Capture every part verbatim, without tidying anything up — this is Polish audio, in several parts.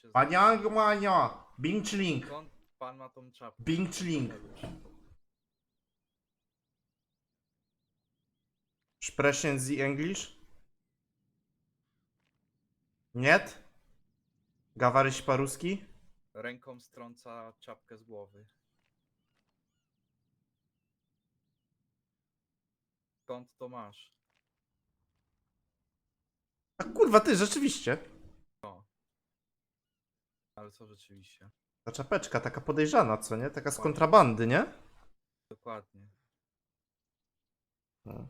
się Paniang Mania! Bing Chling! Skąd pan ma tą czapkę? Bing Chling! Sprechen Sie English? Niet? Gawaryś paruski? Ręką strąca czapkę z głowy. Skąd to masz? A kurwa ty, rzeczywiście. Ale co rzeczywiście? Ta czapeczka taka podejrzana, co nie? Taka z kontrabandy, nie? Dokładnie. No.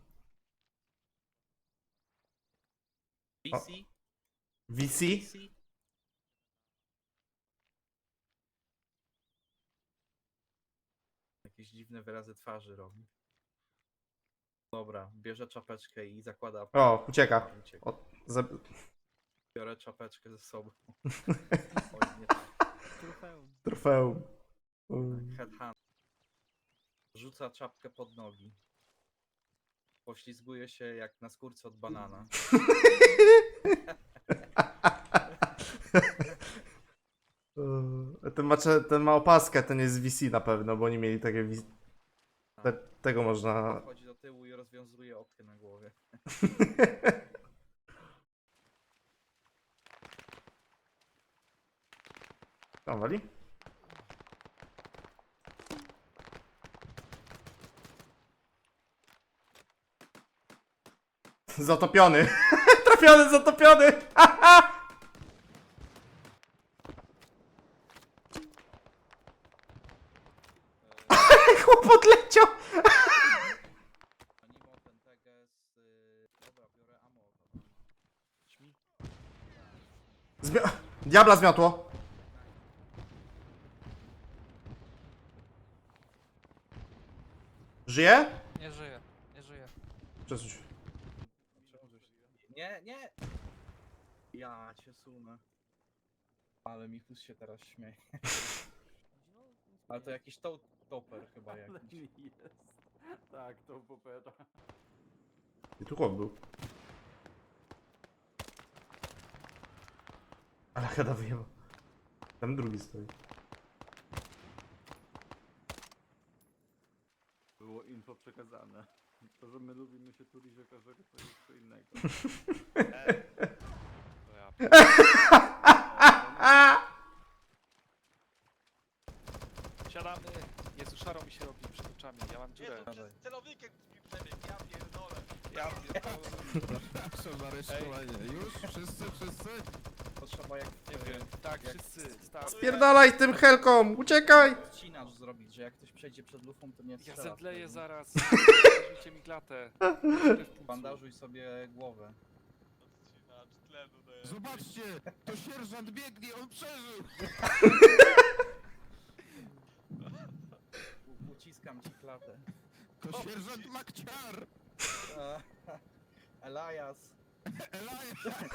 V C? V C? V C? Jakieś dziwne wyrazy twarzy robi. Dobra, bierze czapeczkę i zakłada. O, ucieka. Ucieka. O, za... Biorę czapeczkę ze sobą. Oj, nie tak. Trofeum. Trofeum. Mm. Headhunt. Rzuca czapkę pod nogi. Poślizguje się jak na skórce od banana. Eee, Ten ma, cze- ten ma opaskę, ten jest V C na pewno, bo oni mieli takie V C. Te, tego można... Podchodzi do tyłu i rozwiązuje opkę na głowie. Tam wali? Zatopiony! Trafiony, zatopiony! Chłop odleciał! Animo ten teges. Yy... Dobra, biorę ammo. Śmi. Zmio- Diabla zmiotło! Żyje? Nie żyje, nie żyje. Przesuń się. Czemu żeś- Nie, nie! Ja cię sunę. Ale Michus się teraz śmieje. Ale to jakiś to toper chyba jakiś. Jest. Tak, to popera. I tu chłop był. Ale chyba wyjechał. Tam drugi stoi. Było info przekazane. To, że my lubimy się tulić o każdego, to jest co innego. To ja. Siadamy. Jezu, szaro mi się robi przed oczami. Ja mam dziurę. Jezu, przez celownikiem mi przebiegł, ja pierdolę. Ja pierdolę. Proszę za aresztowanie. Już? Wszyscy, wszyscy? To trzeba jak Nie wiem. Tak, jak wszyscy. Stary. Spierdalaj tym helką! Uciekaj! odcinacz zrobić, że jak ktoś przejdzie przed lufą, to nie Ja strzela. zemdleję wtedy. zaraz. Zarzućcie mi klatę. Bandażuj sobie głowę. Odcinacz tlenu daje. Zobaczcie! To sierżant biegnie, on przeżył! U- Uciskam ci klatę. To sierżant Makciar! Elias. Elias!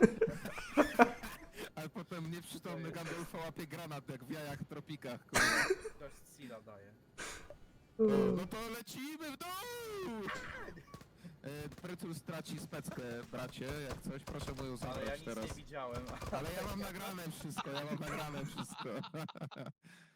A potem nieprzytomny Gandalfa łapie granat jak w jajach w tropikach, kurwa. Ktoś z Sila daje. O, no to lecimy w dół! E, Prytul straci speckę, bracie, jak coś, proszę mu ją Ale ja zabrać nic teraz. nie widziałem. Ale ja mam nagrane wszystko, ja mam nagrane wszystko.